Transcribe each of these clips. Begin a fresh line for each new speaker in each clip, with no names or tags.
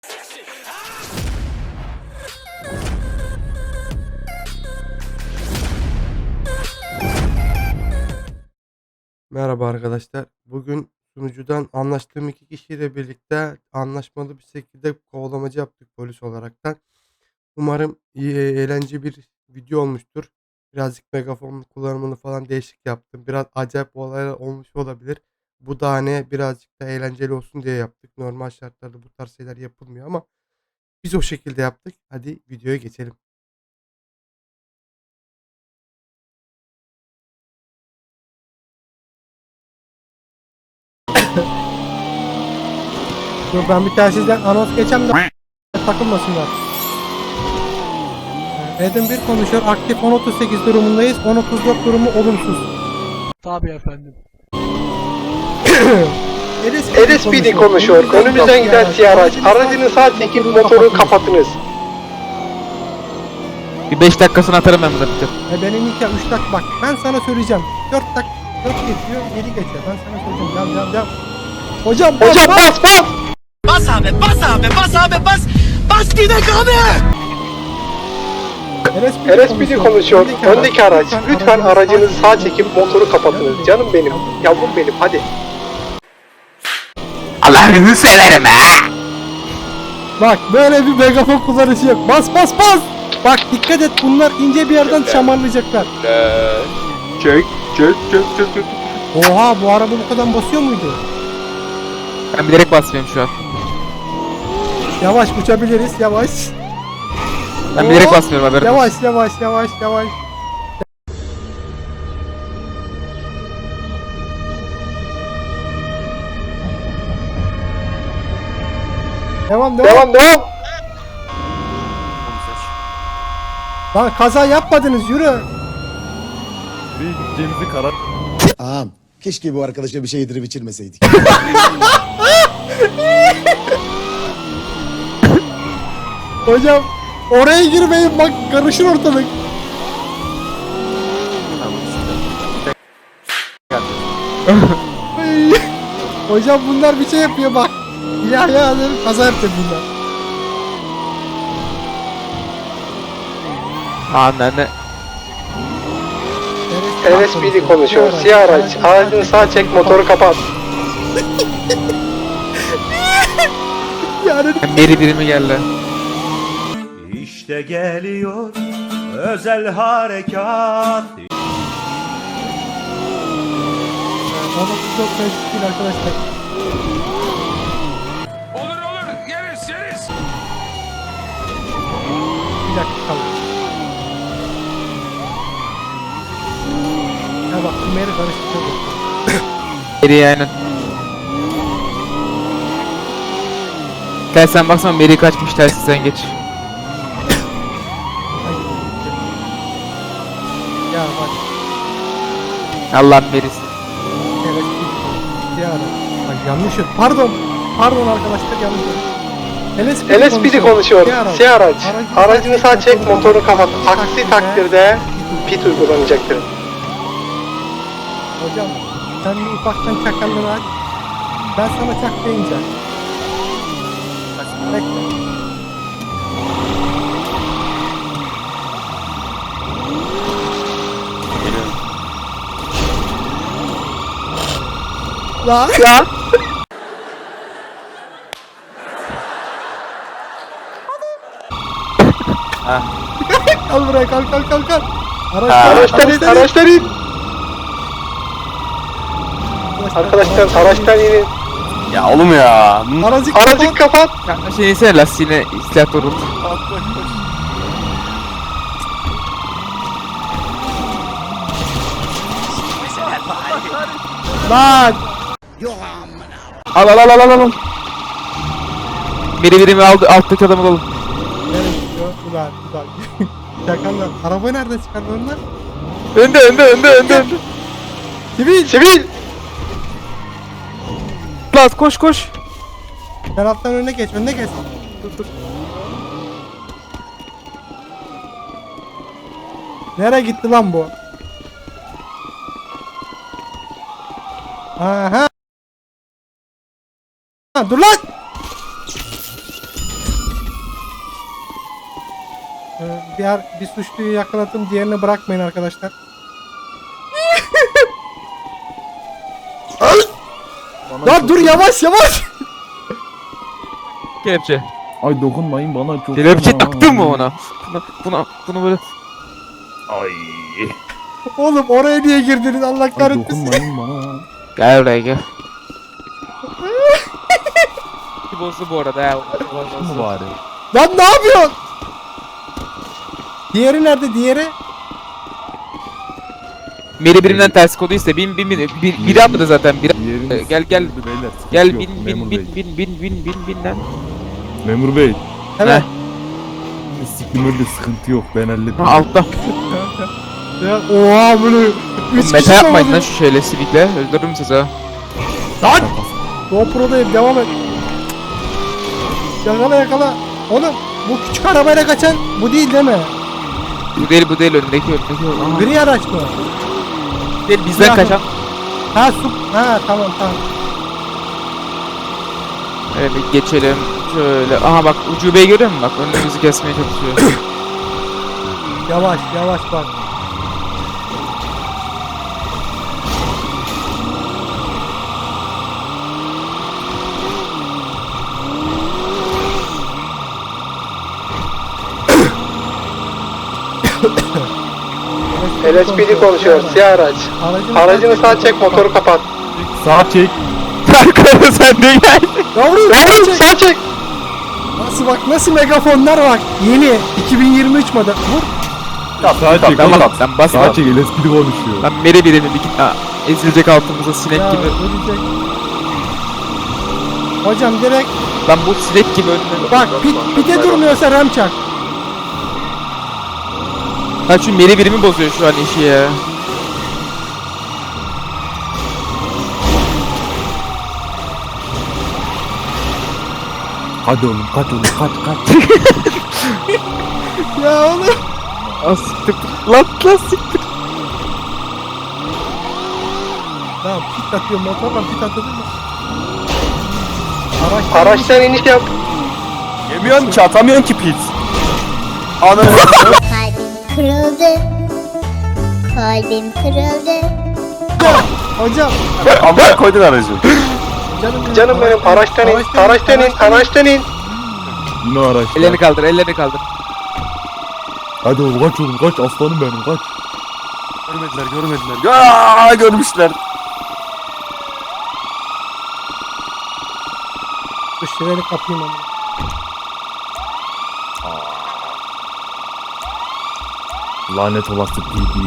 Merhaba arkadaşlar. Bugün sunucudan anlaştığım 2 kişiyle birlikte anlaşmalı bir şekilde kovalamacı yaptık polis olaraktan. Umarım iyi, eğlenceli bir video olmuştur. Birazcık megafon kullanımını falan değişik yaptım. Biraz acayip olaylar olmuş olabilir. Bu da hani birazcık da eğlenceli olsun diye yaptık. Normal şartlarda bu tarz şeyler yapılmıyor ama biz o şekilde yaptık. Hadi videoya geçelim.
Dur ben bir telsizden anons geçem de takılmasınlar. Edim 1 konuşuyor. Aktif 10.38 durumundayız. 10.34 durumu olumsuz.
Tabii efendim.
LSPD konuşuyor.
Önümüzden giden siyah araç. Aracını sağ çekip motoru kapatınız.
Bir 5 dakikasını atarım ben burada Peter.
Benim 2 3 dakika bak. Ben sana söyleyeceğim. 4 dakika 4 geçiyor, 7 geçiyor. Ben sana söyleyeceğim. Devam. Hocam
Bas bas!
Bas abi, bas abi, bas abi, bas! Bas gidek abi!
LSPD konuşuyor. Öndeki araç. Lütfen aracınızı sağ çekip motoru kapatınız. Canım benim, yavrum benim, hadi.
Allah'ını severim ha!
Bak böyle bir megafon kullanışı yok. Bas. Bak dikkat et, bunlar ince bir yerden şamarlayacaklar.
Çök.
Oha, bu araba bu kadar basıyor muydu?
Ben bilerek basmıyorum şu an.
Yavaş uçabiliriz, yavaş.
Ben bilerek
Oo,
basmıyorum haberin olsun.
Yavaş. Devam.
Devam.
Lan kaza yapmadınız, yürü.
Ağam, keşke bu arkadaşa bir şey yedirip içirmeseydik.
Hocam oraya girmeyin, bak karışır ortalık. Ay, hocam bunlar bir şey yapıyor bak. İlahi alırım, kaza yapacak bunlar.
Anne.
LSPD konuşuyor. Siyah araç. Aracını sağ çek, motoru kapat.
Yani
Beri birimi geldi.
İşte geliyor özel harekat.
baba çok değil arkadaşlar.
Olur yeriz.
Bir dakika kalın. Ya bak Ömer'i karıştırıyor.
Beri aynen. Gel sen baksana Beri kaçmış tersi sen geç.
Ya bak.
Allah'ın Beri'si.
Evet. Ya bak yanlış yok. Pardon arkadaşlar, yanlış yok.
LSPD konuşuyor. Siyah araç. Aracını sağ çek, motoru kapat. Aksi takdirde pit uygulanacaktır.
Hocam sen bir ufaktan çakallığını aç. Ben sana çak deyince. Bekle. Lan. Kal buraya, kal.
Araçtan in. Arkadaşlar araçtan inin.
Ya oğlum ya.
Aracı kapat.
Şey neyse lastiğine silah doğrult.
Lan.
Al. Beri birimi aldı, alttaki adamı alalım.
Nereye gidiyor? Ulan. Çakallar. Arabayı nerede çıkardı onlar?
Önde.
Sivil.
Laz koş.
Taraftan önüne geç. Dur. Nereye gitti lan bu? Aha. Ha, dur lan. Bir suçluyu yakaladım, diğerini bırakmayın arkadaşlar. Lan dur, yavaş yavaş.
Kelepçe.
Ay dokunmayın bana çok.
Kelepçe
fena.
taktın mı ona? Bunu böyle.
Ay.
Oğlum oraya niye girdiniz, Allah
Ay
kahretmesin.
dokunmayın bana.
Gel buraya gel. Bozdu bu arada ya.
Mı bari?
Lan ne yapıyorsun? Diğeri nerede, diğeri?
Meri birinden ters kodu iste. Biri atladı zaten.
Diğeriniz
Gel, gel.
sıkıntı beyler, sıkıntı
Gel
yok. Memur Bey.
bin lan.
Memur Bey.
Evet.
Sikimörde sıkıntı yok ben hallettim.
Ha, altta.
Ya, oha böyle.
Oğlum meta yapmayın lan şu şeyle sivikle. Öldürürüm sizi ha.
Lan! GoPro'dayım, devam et. Yakala yakala. Oğlum bu küçük arabayla kaçan bu değil mi?
Bu değil önündeki. Aha.
Gri araç mı?
Değil bizden
Ya.
kaçan.
Ha tamam.
Evet geçelim. Şöyle. Aha bak ucubeyi görüyor musun? Bak önümüzü kesmeye çalışıyor.
Yavaş bak.
LSPD konuşuyor. Siyah araç. Aracını sağ çek, motoru kapat.
Sağ çek.
Arkada sen de gel.
Yavrum sağ çek. Nasıl megafonlar bak. Yeni 2023 model. Vur.
Sağ çek.
Tamam
oğlum.
lan bas.
Sağ çek. LSPD konuşuyor.
Lan meri birimi bir git. Aa, ezilecek altımıza sinek
Ya,
gibi.
ölecek. Hocam direkt
Lan bu sinek gibi önüne.
bak pite durmuyorsa ram çak.
Ha şu meri birimi bozuyor şu an işi ya.
Hadi oğlum kaç oğlum kaç.
Ya oğlum.
Aa siktir. Lan siktir.
Tamam pit atıyor, motorla pit atılır mı?
Araçtan iniş yap.
Yemiyorsun ki atamıyorsun ki pit. Ananı.
Kalbim kırıldı. Kalbim kırıldı.
Hocam.
Allah koydun aracı.
Canım benim, araçtan in.
Yine araç.
Ellerini kaldır.
Hadi oğlum kaç aslanım benim kaç. Görmediler. Aa görmüşler.
Dur şireni kapayım ama.
Lanet olası PD.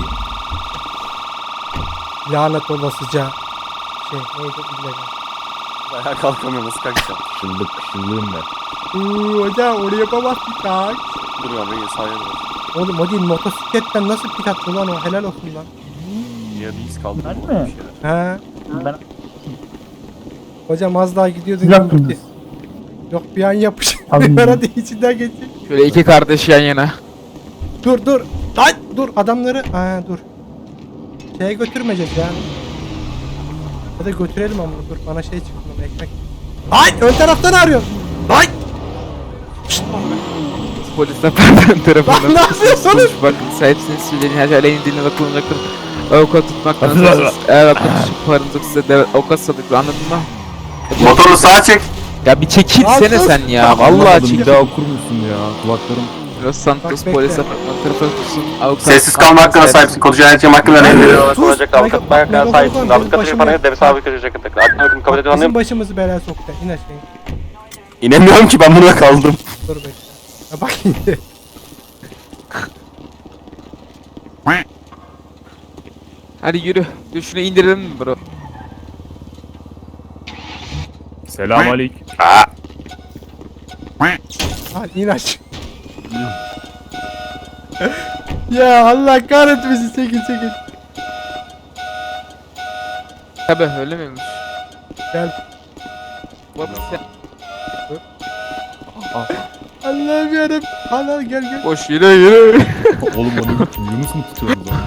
Lanet olasıca. Neydi illegal.
Ayağa kalkamıyor nasıl kalkacağım? Kışıllığım ben.
Hocam oraya yapamazsın tak.
Dur abi sahaya dur.
Oğlum o değil, motosikletten nasıl pit attı lan o, helal olsun lan.
Ya bir iz kaldı.
He. Hocam az daha gidiyordun. Gitti. Yok bir an yapış. Hadi içinden geçecek.
Şöyle iki kardeş yan yana.
Dur. Lan dur adamları. Dur. Şeye götürmeyeceğiz ya. Ya da götürelim ama dur bana şey çıktı lan, ekmek. Ay ön taraftan arıyor. Ay.
Polisler pardon tarafından.
Lan ne yapıyorsunuz?
Bak sahipsiniz söyleyin her şey aleyhine dinle bakılınacaktır. Avukat tutmaktan söz. Eğer avukat tutup paranızı size de avukat sadıklı anladın mı?
Motoru sağa çek.
Ya bir çekilsene
Sus.
sen ya. Vallahi
Bir
çekil.
daha okur musun ya? Kulaklarım.
Los Santos
Bak,
polis
bekle.
apartman tarafı tutsun. Avukat.
Sessiz kalma hakkına sahipsin. Kod yönetim hakkında ne veriyor?
Sus.
Avukat hakkına sahipsin. Avukat
Başım
parayı deve sabit edecek. Hakkını kabul ediyor
Bizim
anlayayım.
başımızı belaya soktu. İn aşağı.
İnemiyorum ki ben buna kaldım.
Dur bekle. Ya bak şimdi.
Hadi yürü. Dur şunu indirelim mi bro?
Selamünaleyküm.
Hadi in aşağı. Ya Allah kahretmesin, çekil.
Tabi öyle miymiş?
Gel.
Baba sen
Allah'ım yarabbim. Allah gel.
boş yürü.
Oğlum onu kim? Yunus mu tutuyorsunuz lan?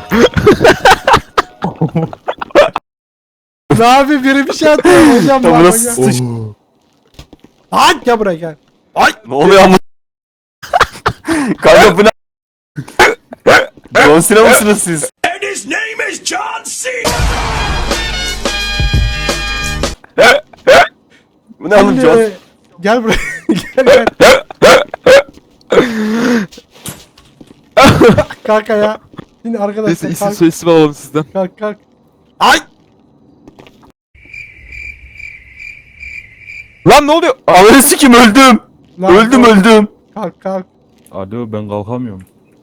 Ne yapayım, biri bir şey atıyor hocam.
Tam
Bak
burası
hocam.
sıç.
Lan gel buraya gel.
Ne oluyor ama? Kanka bu ne? John Cena mısınız siz?
And his name is John C.
Bu ne oğlum
Şimdi,
John?
gel buraya. Gel. Kanka ya. Şimdi
Neyse
arkadaşlar
isim
kalk
soyisim alalım sizden.
kalk.
Ay!
Lan ne oluyor?
Ananı sikim öldüm.
Lan,
Öldüm.
Kalk.
Alo ben kalkamıyorum.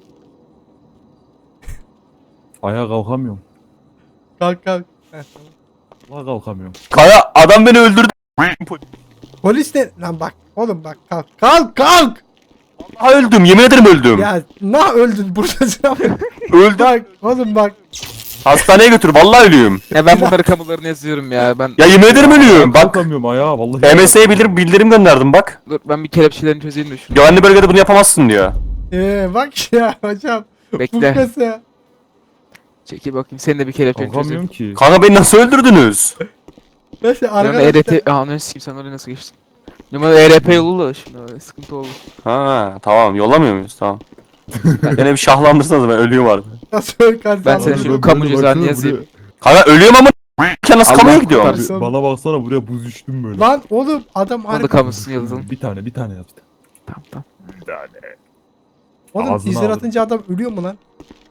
Ayağa kalkamıyorum.
Heh, tamam.
Vallahi kalkamıyorum.
Kaya adam beni öldürdü.
Polis de lan bak oğlum bak kalk.
Ha öldüm, yemin ederim öldüm.
Ya öldün buradasın abi.
Öldüm.
Bak oğlum bak.
Hastaneye götür, vallahi ölüyorum.
Ya ben bunları kamularına yazıyorum ya. Ben
Ya yemin ederim ölüyorum. Bak,
Kalkamıyorum ayağa vallahi.
MS'ye bildirim gönderdim bak.
dur ben bir kelepçelerini çözeyim de şunu.
Güvenli bölgede bunu yapamazsın diyor.
Bak ya hocam.
Bekle.
Fukası.
Çekil bakayım senin de bir kelepçeni
Kalkamıyorum
çözeyim.
ki.
Kanka beni nasıl öldürdünüz?
Neyse
Numara
arkadaşlar.
ERT... Aa ne sikeyim sen oraya nasıl geçtin? Numara ERP yolu da şimdi öyle sıkıntı oldu.
Ha tamam, yollamıyor muyuz? Tamam. Yine bir şahlandırsanız ben ölüyorum artık.
Nasıl kalk?
Ben seni şu kamu cezanı yazayım.
Kanka ölüyorum ama nasıl
Allah
kamuya gidiyorum?
kurtarsın.
Bana baksana buraya buz düştüm böyle.
Lan oğlum adam
Onu da
harbi.
kamusunu yazalım.
Bir tane yaptı.
Tamam.
Bir tane.
Oğlum
Ağzına
izler
aldım.
atınca adam ölüyor mu lan?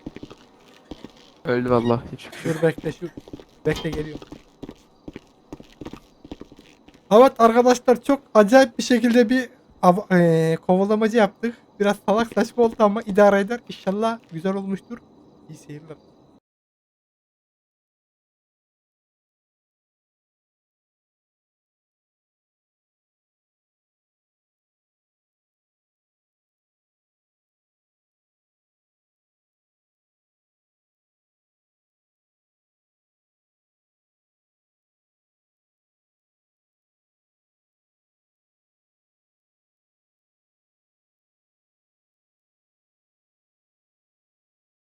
Öldü vallahi. Hiçbir şey yok.
Dur bekle geliyor. Evet arkadaşlar çok acayip bir şekilde bir kovalamacı yaptık. Biraz salak saçma oldu ama idare eder. İnşallah güzel olmuştur. İyi seyirler.